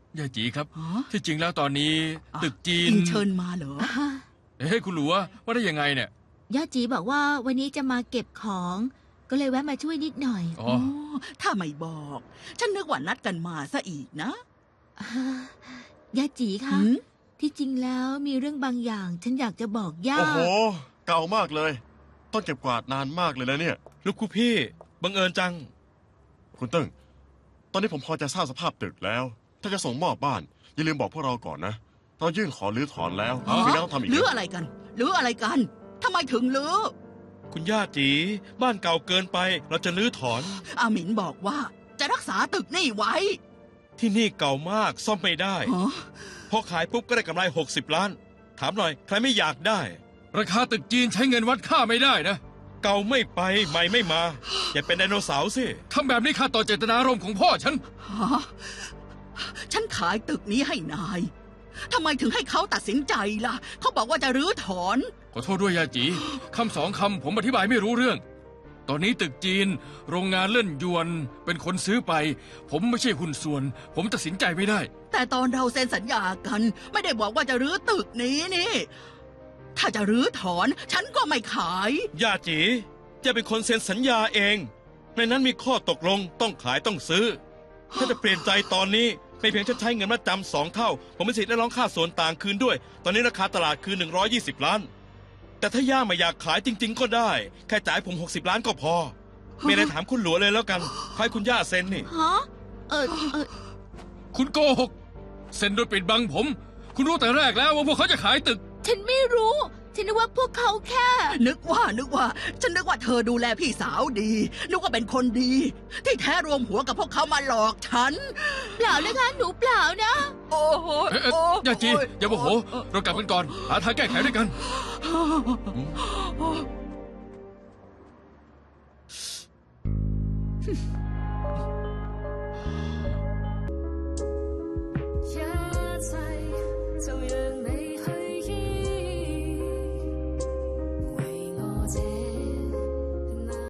ย่าจีครับที่จริงแล้วตอนนี้ตึกจีนเชิญมาเหรอคุณหลัวว่าได้ยังไงเนี่ยย่าจีบอกว่าวันนี้จะมาเก็บของ ก็เลยแวะมาช่วยนิดหน่อยอ๋อถ้าไม่บอก ฉันนึกว่านัดกันมาซะอีกนะย่าจีคะที่จริงแล้วมีเรื่องบางอย่างฉันอยากจะบอกย่าโอ้โหเก่ามากเลยต้องเก็บกวาดนานมากเลยนะเนี่ยลูกคู่พี่บังเอิญจังคุณเติ้งตอนนี้ผมพอจะทราบสภาพตึกแล้วถ้าจะส่งมอบบ้านอย่าลืมบอกพวกเราก่อนนะเรายื่นขอรื้อถอนแล้วไม่ต้องทำอีกรื้ออะไรกันรื้ออะไรกันทำไมถึงรื้อคุณย่าจีบ้านเก่าเกินไปเราจะรื้อถอนอาหมินบอกว่าจะรักษาตึกนี่ไว้ที่นี่เก่ามากซ่อมไม่ได้พอขายปุ๊บก็ได้กำไร60 ล้านถามหน่อยใครไม่อยากได้ราคาตึกจีนใช้เงินวัดค่าไม่ได้นะเก่าไม่ไปใหม่ไม่มาอย่าเป็นไดโนเสาร์สิทำแบบนี้ข้าต่อเจตนารมณ์ของพ่อฉันฉันขายตึกนี้ให้นายทำไมถึงให้เขาตัดสินใจล่ะเขาบอกว่าจะรื้อถอนขอโทษด้วยยาจีคำ2 คำผมอธิบายไม่รู้เรื่องตอนนี้ตึกจีนโรงงานเล่นยวนเป็นคนซื้อไปผมไม่ใช่หุ้นส่วนผมตัดสินใจไม่ได้แต่ตอนเราเซ็นสัญญากันไม่ได้บอกว่าจะรื้อตึกนี้นี่ถ้าจะรื้อถอนฉันก็ไม่ขายย่าจีจะเป็นคนเซ็นสัญญาเองในนั้นมีข้อตกลงต้องขายต้องซื้อถ้าจะเปลี่ยนใจตอนนี้ไม่เพียงจะใช้เงินมาจำ2 เท่าผมมีสิทธิ์ได้ร้องค่าส่วนต่างคืนด้วยตอนนี้ราคาตลาดคือ120 ล้านแต่ถ้าย่าไม่อยากขายจริงๆก็ได้แค่จ่ายผม60 ล้านก็พอไม่ได้ถามคุณหลัวเลยแล้วกันให้คุณย่าเซ็นนี่ฮะคุณโกหกเซ็นโดยปิดบังผมคุณรู้แต่แรกแล้วว่าพวกเขาจะขายตึกฉันไม่รู้ฉันนึกว่าพวกเขาแค่นึกว่าฉันนึกว่าเธอดูแลพี่สาวดีนึกว่าเป็นคนดีที่แท้รวมหัวกับพวกเขามาหลอกฉันเปล่าเลยค่ะหนูเปล่านะโอ้โหย่าจีอย่าโมโหเรากลับกันก่อนหาทางแก้ไขด้วยกัน